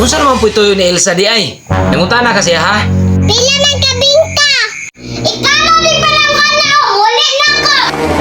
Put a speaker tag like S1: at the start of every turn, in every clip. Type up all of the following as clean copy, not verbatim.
S1: Unsa naman po ito ni Elsa di ay? Nangutana kasi ha?
S2: Pila ng kabinta? Ikano di pa lang ka na, muli na ka!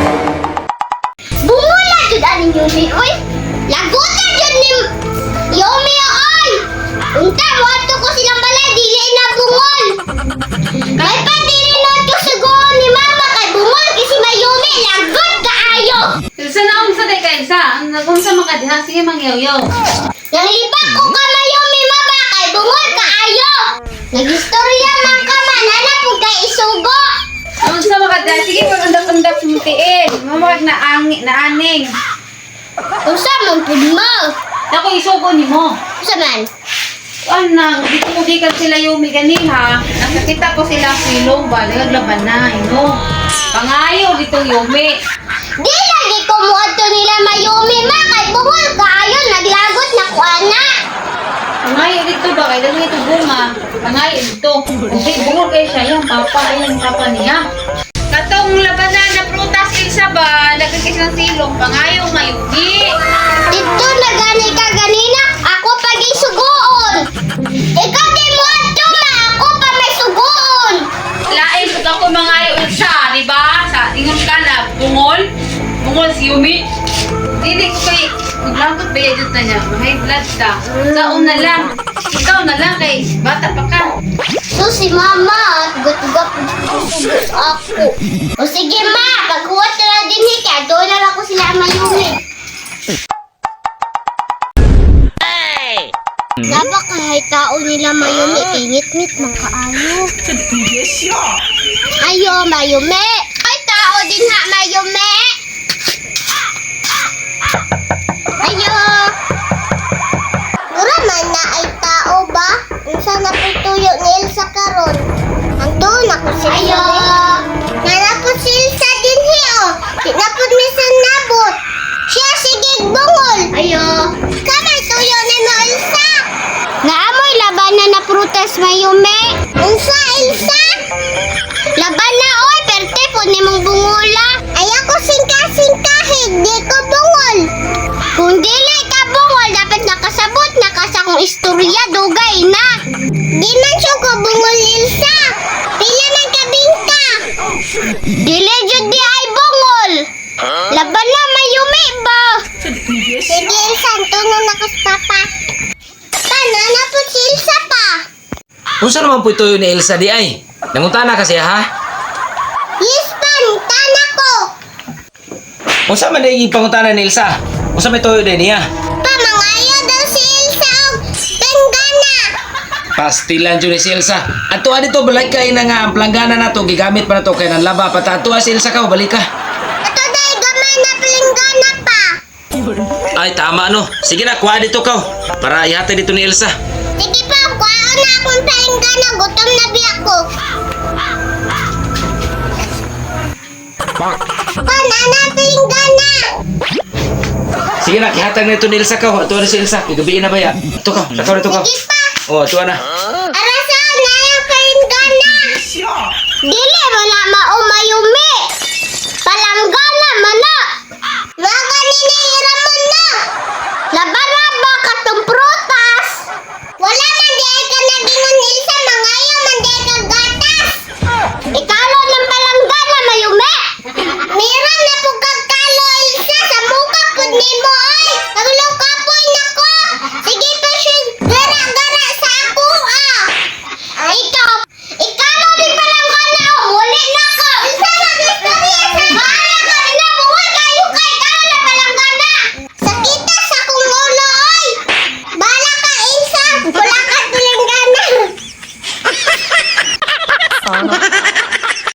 S2: Bumula jud aning Yumi, oy! Lagutan jud ni Yumi, oy! Unta, wato ko silang balay, dili na bungol! Kay pa dili na to sugon ni Mama, kay bungol kasi may Yumi, lagot kaayo!
S3: Elsa na unsa day ka Elsa? Nagumsa man ka diha sige mangyaw-yaw.
S2: Nang lipat ko ka Yumi, Mama, kay bungol kaayo! Nagistorya man ka man, hanap kay isugo!
S3: Unsa man ka diha sige pagundap-undap mutiil. Mamag na aning.
S2: Usa man pud mo?
S3: Ako isugo nimo.
S2: Usa man?
S3: Anang, di ko gikan sila Yumi ganiha. Nakakita ko sila silong ba, naglaban na, ino. Pangayo ditong Yumi.
S2: Di lagi ko mo ato nila Mayumi, ma, kay bungol kaayo, naglagot na ko ana.
S3: Pangayo dito ba, kaya dali ito bunga. Pangayo dito. Hindi, bungol kayo siya, yung papa niya. Katong labanan na prutas Elsa ba, nagkikis ng silong, pangayo Mayumi.
S2: Dito na gani ka ganina, ako pa di sugoon. Ikaw di mo ato, ma, ako pa may sugoon.
S3: Lain sa ako mangayo Elsa, di ba? Sa ingon ka na, bungol si Yumi. Dili ko kay maglagot ba yun na niya, may blood ka. Saon na lang, ikaw na lang kay bata pa ka.
S2: So si mama, tugot-tugot ako. O sige ma, paghuwat na lang din hika, doon na lang ko sila Mayumi. Napakahay tao nila Mayumi, ingit-ngit man kaayo. Ayo Mayumi! Ay tao din ha Mayumi! Ayo! Mura man na ay tao ba? Unsa na po tuyo ni Elsa karon? Andun ako si Ayo! Nanapot si Elsa din hiyo! Tinapot misan nabot! Siya sige bungol! Ayo! Kamay tuyo ni mo Elsa! Naamoy labanan na prutas Mayumi! Unsa Elsa? Laban na oy, perte po ni mong bungula! Ay ako singka-singkahig, di ko bungol! Kung dili ka bungol, dapat nakasabot na ka sa kong istorya, dugay na! Di man siya ko bungol, Elsa! Pila ng kabinta! Dili jud di ay bungol! Laban na Mayumi ba? Sige, Elsa, tunong na ko sa papa. Paano na po si Elsa pa?
S1: Unsa naman po ito ni Elsa di ay? Nangutana kasi ha?
S2: Yes, pan, tana ko!
S1: Unsa man ay pangutana ni Elsa? Unsa may tuyo din niya?
S2: Pamangayo daw si Elsa og penggana!
S1: Pastilan dyan ni si Elsa. Ato dito balik kay na nga ang planggana na to gigamit pa na to kay nang laba pa ato si Elsa ka balik ka.
S2: Ato dahil gamay na penggana pa!
S1: Ay tama no. Sige na kuha dito ka para ihatid dito ni Elsa.
S2: Sige pa, kuhaan na akong penggana, gutom na bi ako. Panana penggana!
S1: Sige na kihatag na ito ni Elsa ka. Ato na si Elsa. Igabiin na ba ya? Ito ka. Sakaw na ito ka.
S2: Sige pa!
S1: Oh, ito na.
S2: Arasaan na yung penggana! Dili mo na maumayumi!